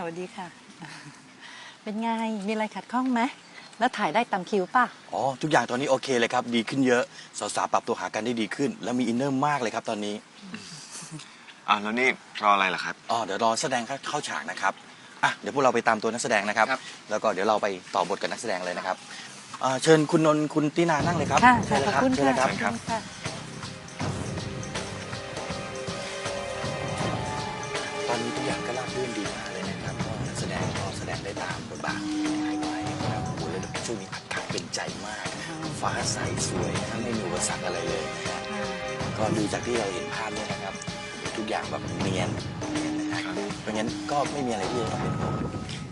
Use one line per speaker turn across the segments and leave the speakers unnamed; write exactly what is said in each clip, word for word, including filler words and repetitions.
วัสดีค่ะเป็นไงมีอะไรขัดข้องไหมแล้วถ่ายได้ตามคิวป่ะ
อ๋อทุกอย่างตอนนี้โอเคเลยครับดีขึ้นเยอะสาวๆปรับตัวหากันได้ดีขึ้นแล้วมีอินเนอร์มากเลยครับตอนนี้
อ่าแล้วนี่รออะไรล่ะครับ
อ๋อเดี๋ยวรอแสดงเข้าฉากนะครับอ่ะเดี๋ยวพวกเราไปตามตัวนักแสดงนะครับแล้วก็เดี๋ยวเราไปต่อบทกับนักแสดงเลยนะครับเชิญคุณนนท์คุณตินานั่งเลยครับ
ค่ะ
เชิญเลย
ขอบคุณ
เชิญเลย
ค่ะ
ครับตอนนี้ทุกอย่างก็ราบรื่นดีมากเลยนะครับก็นักแสดงก็แสดงได้ตามบทบาทที่ให้ไว้นะครับโอ้โหแล้วช่วงนี้อากาศเป็นใจมากฟ้าใสสวยนะไม่มีอุปสรรคอะไรเลยนะก็ดูจากที่เราเห็นภาพเนี่ยนะครับทุกอย่างแบบเนียนนะครับเพราะงั้นก็ไม่มีอะไรที่จะต้องเป็นห่วง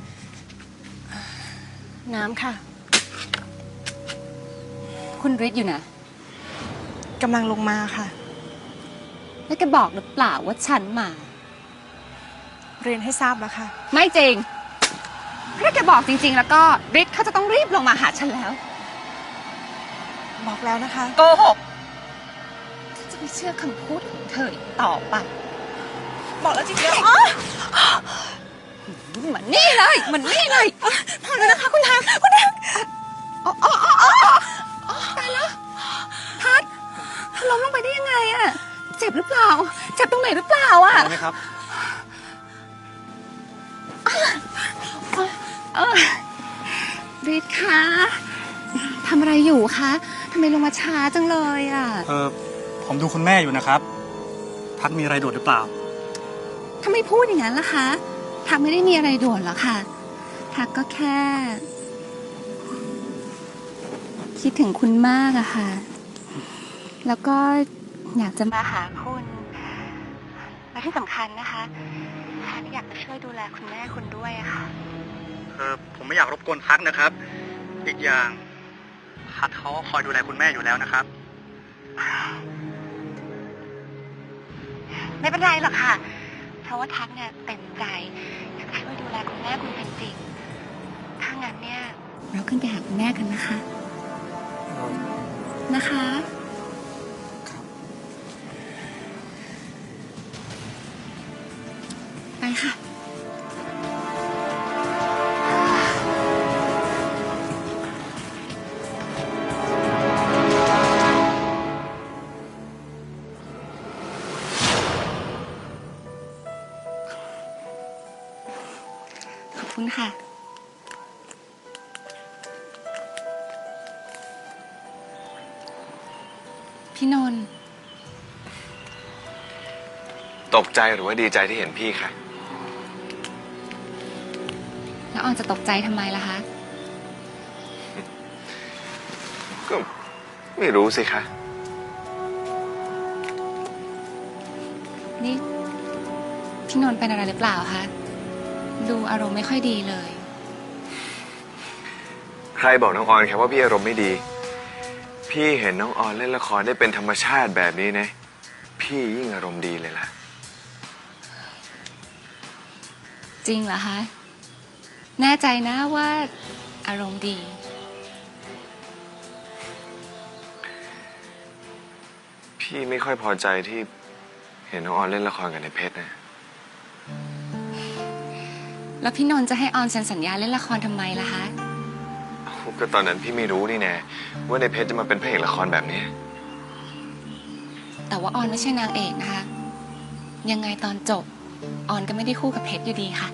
น้ำค่ะ
คุณฤทธิ์อยู่นะ
กำลังลงมาค่ะ
แล้วแกบอกหรือเปล่าว่าฉันมา
เรียนให้ทราบแล้วค่ะ
ไม่จริงถ้าแกบอกจริงๆแล้วก็ฤทธิ์เขาจะต้องรีบลงมาหาฉันแล้ว
บอกแล้วนะคะ
โกหกฉันจะไม่เชื่อคำพูดของเธออีกต่อไป
บอกแล้วจริงๆ
เหมือนนี่เลยเหมือนนี่เลย
พอแล้วนะคะคุณทางคุณทาง
อ๋ออ๋ออ๋อตายแล้วพัดล้มลงไปได้ยังไงอะเจ็บหรือเปล่าเจ็บตรงไหนหรือเปล่าอะ
ไหมครับ
เออฤทธิ์คะทำอะไรอยู่คะทำไมลงมาช้าจังเลยอ่ะ
เออผมดูคุณแม่อยู่นะครับพัดมีอะไรด่วนหรือเปล่า
ทำไมพูดอย่างนั้นล่ะคะทักไม่ได้มีอะไรด่วนหรอกค่ะทักก็แค่คิดถึงคุณมากอะค่ะแล้วก็อยากจะมาหาคุณและที่สำคัญนะคะทักอยากจะช่วยดูแลคุณแม่คุณด้วยอะค่ะ
เออผมไม่อยากรบกวนพัดนะครับอีกอย่างพัดเขาคอยดูแลคุณแม่อยู่แล้วนะครับ
ไม่เป็นไรหรอกค่ะเพราะว่าทักเนี่ยเต็มใจอยากช่วยดูแลคุณแม่คุณเป็นจริงถ้างั้นเนี่ยเราขึ้นไปหาคุณแม่กันนะคะนะคะไปค่ะขอบคุณค่ะพี่นนท์
ตกใจหรือว่าดีใจที่เห็นพี่ค่ะ
แล้วออนจะตกใจทำไมล่ะคะ
ก็ไม่รู้สิคะ
นี่พี่นนท์เป็นอะไรหรือเปล่าคะดูอารมณ์ไม่ค่อยดีเลย
ใครบอกน้องออนแค่ว่าพี่อารมณ์ไม่ดีพี่เห็นน้องออนเล่นละครได้เป็นธรรมชาติแบบนี้นะพี่ยิ่งอารมณ์ดีเลยล่ะ
จริงเหรอคะแน่ใจนะว่าอารมณ์ดี
พี่ไม่ค่อยพอใจที่เห็นน้องออนเล่นละครกับในเพชรนะ
แล้วพี่นนท์จะให้ออนเซ็นสัญญาเล่นละครทำไมล่ะคะ
ก็ตอนนั้นพี่ไม่รู้นี่แน่ว่าในเพชรจะมาเป็นพระเอกละครแบบนี้
แต่ว่าออนไม่ใช่นางเอกนะคะยังไงตอนจบออนก็ไม่ได้คู่กับเพชรอยู่ดีค่ะ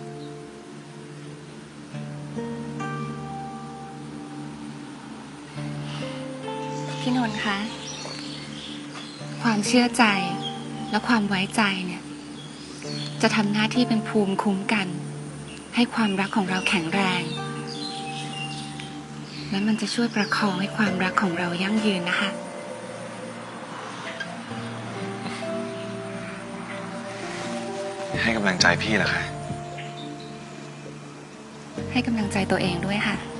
พี่นนท์คะความเชื่อใจและความไว้ใจเนี่ยจะทำหน้าที่เป็นภูมิคุ้มกันให้ความรักของเราแข็งแรงและมันจะช่วยประคองให้ความรักของเรายั่งยืนนะคะ
ให้กำลังใจพี่เหรอคะ
ให้กำลังใจตัวเองด้วยค่ะ